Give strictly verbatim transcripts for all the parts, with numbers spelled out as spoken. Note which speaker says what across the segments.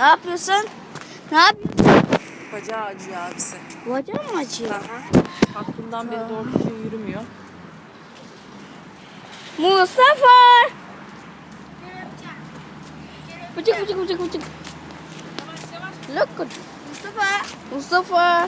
Speaker 1: Ne yapıyorsun? Ne yapıyorsun?
Speaker 2: Bacağı acıyor abisi.
Speaker 1: Bacağım mı acıyor?
Speaker 2: Aha. Kalktığından beri doğru düzgün yürümüyor.
Speaker 1: Mustafa! Bıcık bıcık bıcık bıcık. Look good. Mustafa. Mustafa.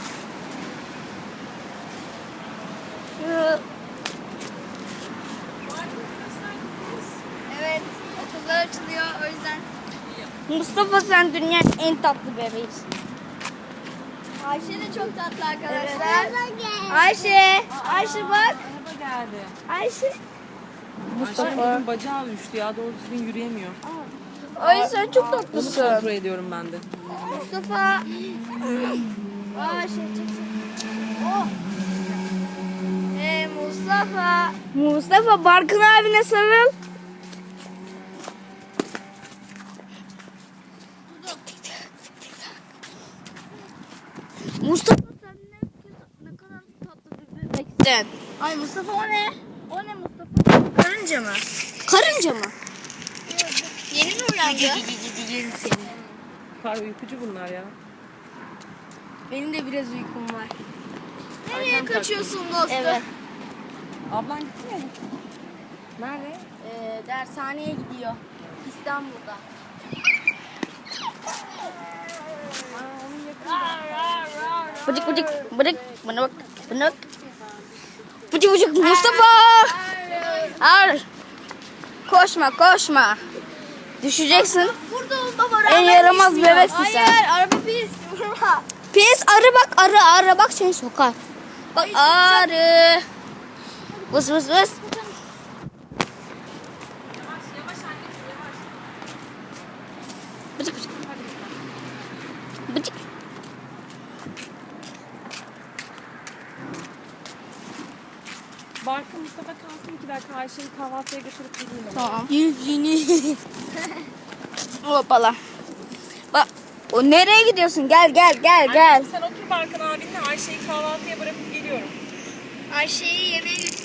Speaker 3: Evet, okullar açılıyor o yüzden.
Speaker 1: Mustafa sen dünyanın en tatlı bebeğisin.
Speaker 3: Ayşe de çok tatlı arkadaşlar.
Speaker 1: Ayşe. Ayşe bak.
Speaker 2: Araba geldi.
Speaker 1: Ayşe.
Speaker 2: Mustafa.
Speaker 1: Mustafa.
Speaker 2: Ayşe'nin bacağı uyuştu ya. Doğru düzgün yürüyemiyor.
Speaker 1: Ay sen çok
Speaker 2: Onu
Speaker 1: tatlısın.
Speaker 2: kontrol ediyorum ben de.
Speaker 3: Mustafa. Aa şey çek çek. Oh. Ee, Mustafa.
Speaker 1: Mustafa Barkın abine sarıl. Mustafa sen ne, ne kadar tatlı bir bebeksin.
Speaker 3: Ay Mustafa o ne? O ne Mustafa?
Speaker 1: Karınca mı? Karınca mı?
Speaker 3: Yeni mi uyandı?
Speaker 1: Yerim seni.
Speaker 2: Kar uykucu bunlar ya.
Speaker 1: Benim de biraz uykum var.
Speaker 3: Nereye
Speaker 2: Ayten
Speaker 3: kaçıyorsun dostum?
Speaker 1: Evet.
Speaker 2: Ablan gitti mi? Nerede?
Speaker 1: Ee, dershaneye gidiyor. İstanbul'da. Bıcık bıcık bıcık bana bak bana bak. Bıcık bıcık Mustafa. Ar. Koşma koşma. Düşeceksin.
Speaker 3: Burada ol baba.
Speaker 1: En yaramaz bebeksin sen.
Speaker 3: Hayır, araba pis. Vurma.
Speaker 1: Pis arı bak arı arı bak seni sokar. Bak arı. Vız vız vız. Bıcık bıcık. Bıcık.
Speaker 2: Barkın Mustafa kalsın iki dakika. Ayşe'yi kahvaltıya götürüp geleyim.
Speaker 1: Tamam. Yüzünü. Hoppala. Bak o nereye gidiyorsun? Gel gel gel gel.
Speaker 2: Sen otur Barkın abinle, Ayşe'yi kahvaltıya bırakıp geliyorum.
Speaker 3: Ayşe'yi yemeğe götür.